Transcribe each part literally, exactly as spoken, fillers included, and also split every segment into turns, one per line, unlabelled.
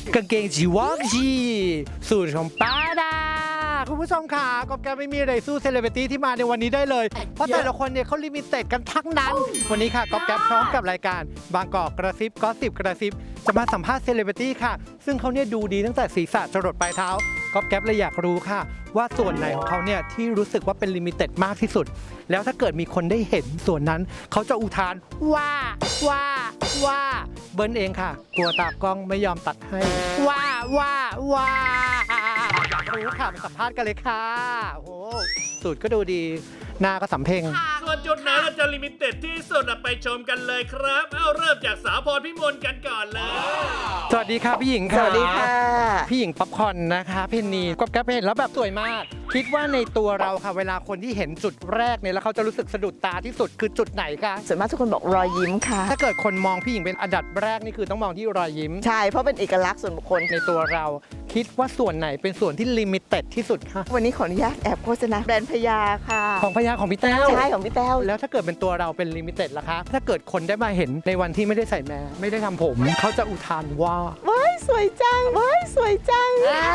กางเกงจีวอกจีสูตรของป้าดาคุณผู้ชมค่ะก็แกไม่มีอะไรสู้เซเลบริตี้ที่มาในวันนี้ได้เลยเพราะแต่ละคนเนี่ยเขาลิมิเต็ดกันทั้งนั้นวันนี้ค่ะก็แกพร้อมกับรายการบางกอกกระซิบก็สิบกระซิบจะมาสัมภาษณ์เซเลบริตี้ค่ะซึ่งเขาเนี่ยดูดีตั้งแต่ศีรษะจรดปลายเท้าก็แกเลยอยากรู้ค่ะว่าส่วนไหนของเขาเนี่ยที่รู้สึกว่าเป็นลิมิเต็ดมากที่สุดแล้วถ้าเกิดมีคนได้เห็นส่วนนั้นเขาจะอุทานว่าว่าว่าเบิ้ลเองค่ะกลัวตากล้องไม่ยอมตัดให้ว่าว่าว่าอยากรู้ค่ะมาสัมภาษณ์กันเลยค่ะโอ้โหสูตรก็ดูดีหน้าก็สำเพ็ง
ส่วนจุดไหนเราจะลิมิเต็ดที่สุดไปชมกันเลยครับ เอาเริ่มจากสาวพรพิมลกันก่อนเลย
สวัสดีค่ะพี่หญิงค่ะ
สวัสดีค่ะ
พี่หญิงป๊อปคอร์นนะคะเพนนีก็แกเห็นแล้วแบบสวยมาก คิดว่าในตัวเราค่ะเวลาคนที่เห็นจุดแรกเนี่ยแล้วเขาจะรู้สึกสะดุดตาที่สุดคือจุดไหนคะ
ส่วนมากทุกคนบอกรอยยิ้มค่ะ
ถ้าเกิดคนมองพี่หญิงเป็นอันดับแรกนี่คือต้องมองที่รอยยิ้ม
ใช่ เพราะเป็นเอกลักษณ์ส่วนบุคคล
ในตัวเราคิดว่าส่วนไหนเป็นส่วนที่ลิมิเต็ดที่สุดคะ
วันนี้ขออนุญาตแอบโฆษณาแบรนด์พญาค่ะ
ของพญาของพี่แต้ว
ใช่ของพี่แต้ว
แล้วถ้าเกิดเป็นตัวเราเป็นลิมิเต็ดล่ะคะ ถ้าเกิดคนได้มาเห็นในวันที่ไม่ได้ใส่แมสไม่ได้ทำผม เขาจะอุทานว่า
ว้ายสวยจัง ว้ายสวยจัง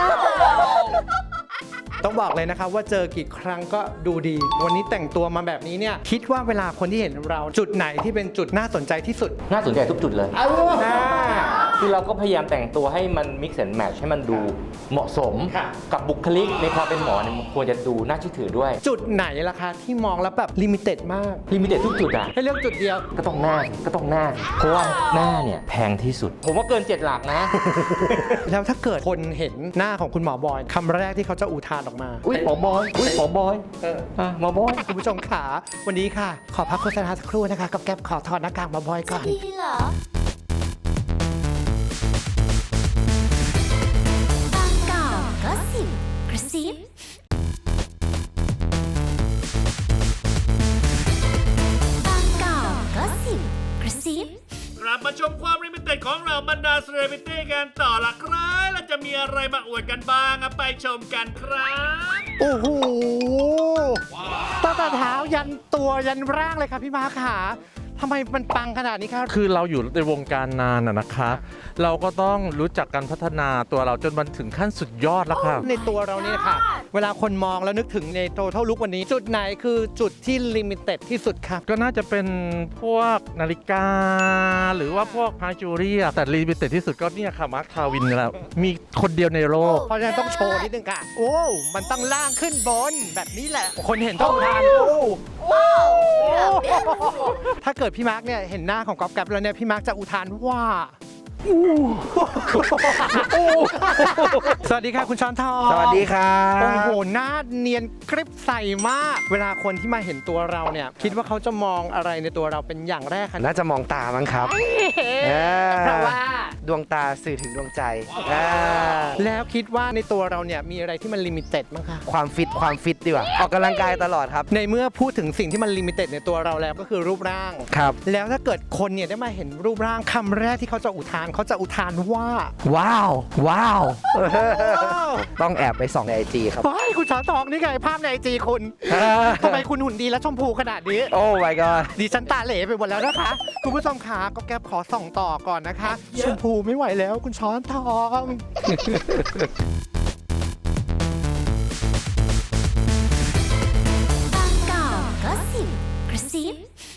ต้องบอกเลยนะคะว่าเจอกี่ครั้งก็ดูดี วันนี้แต่งตัวมาแบบนี้เนี่ยคิดว่าเวลาคนที่เห็นเราจุดไหนที่เป็นจุดน่าสนใจที่สุด
น่าสนใจทุกจุดเลย
อ่า
คือเราก็พยายามแต่งตัวให้มัน mix and match ให้มันดูเหมาะสม
ค่ะ
กับบุคลิกในความเป็นหมอเนี่ยมันควรจะดูน่าเชื่อถือด้วย
จุดไหนล่ะคะที่มองแล้วแบบลิมิเต็ดมาก
ลิมิเต็ดทุกจุดอ่ะ
ให้เลือกจุดเดียว
ก็ต้องหน้าสิก็ต้องหน้าสิเพราะว่าหน้าเนี่ยแพงที่สุด ผมว่าเกินเจ็ดหลักนะ
แล้วถ้าเกิดคนเห็นหน้าของคุณหมอบอยคำแรกที่เขาจะอุทานออกมา
อุ้ยหมอบอย อุ้ยหมอบอย
เออ
อ่ะหมอบอย
คุณผู้ชมขาวันนี้ค่ะ ขอพักโฆษณาสักครู่นะคะ กับแก๊ปขอถอดหน้ากากหมอบอยก่อน
ดีเหรอบางกอกก็สิบกระซิบางกอกก็สิบกระซิบ
กลับมาชมความลิมิเต็ดของเราบรรดาเซเลบริตี้กันต่อละครับแล้วจะมีอะไรมาอวดกันบ้างไปชมกันครับ
โอ้โหตั้งแต่เท้ายันตัวยันร่างเลยค่ะพี่มาขาทำไมมันปังขนาดนี้ครับ
คือเราอยู่ในวงการนานอะนะคะ เราก็ต้องรู้จักการพัฒนาตัวเราจนมันถึงขั้นสุดยอดแล้วค่ะ
ในตัวเราเนี่ยค่ะ เวลาคนมองแล้วนึกถึงในโตเท่าลุกวันนี้ จุดไหนคือจุดที่ลิมิเต็ดที่สุดครับ
ก็น่าจะเป็นพวกนาฬิกา หรือว่าพวกพาจูรี่อะแต่ลิมิเต็ดที่สุดก็เนี่ยค่ะมาร์คทาวินแล้วมีคนเดียวในโลก
เพราะฉะนั้นต้องโชว์นิดนึงค่ะ โอ้ มันต้องล่างขึ้นบนแบบนี้แหละ คนเห็นต้องทานโอ้ถ้าเกิดพี่มาร์กเนี่ยเห็นหน้าของก๊อฟแก๊ปแล้วเนี่ยพี่มาร์กจะอุทานว่าสวัสดีค่ะคุณช้อนทอง
สวัสดีครั
โอ้โหหน้าเนียนกริบใสมาก เวลาคนที่มาเห็นตัวเราเนี่ยคิดว่าเขาจะมองอะไรในตัวเราเป็นอย่างแรกคะ
น่าจะมองตามั้งครับ
เพราะว่า
ดวงตาสื่อถึงดวงใจอ่า
แล้วคิดว่าในตัวเราเนี่ยมีอะไรที่มันลิมิเต็ดมั้งคะ
ความฟิตความฟิตดีกว่า ออกกำลังกายตลอดครับ
ในเมื่อพูดถึงสิ่งที่มันลิมิเต็ดในตัวเราแล้วก็คือรูปร่าง
ครับ
แล้วถ้าเกิดคนเนี่ยได้มาเห็นรูปร่างคำแรกที่เขาจะอุทานเขาจะอุทานว่า
ว้าว ว้าว ต้องแอบไปส่องในไอจีครับ
เฮ้ยคุณช้อนทองนี่ไงภาพในไอจีคุณทำไมคุณหุ่นดีและชมพูขนาดนี้
โอ้ my god
ดิฉันตาเหล่ไปหมดแล้วนะคะ คุณผู้ชมขาก็แกบขอส่องต่อก่อนนะคะ ชมพูไม่ไหวแล้วคุณช้อนทอง
บางกอกก็สิบกระซิบ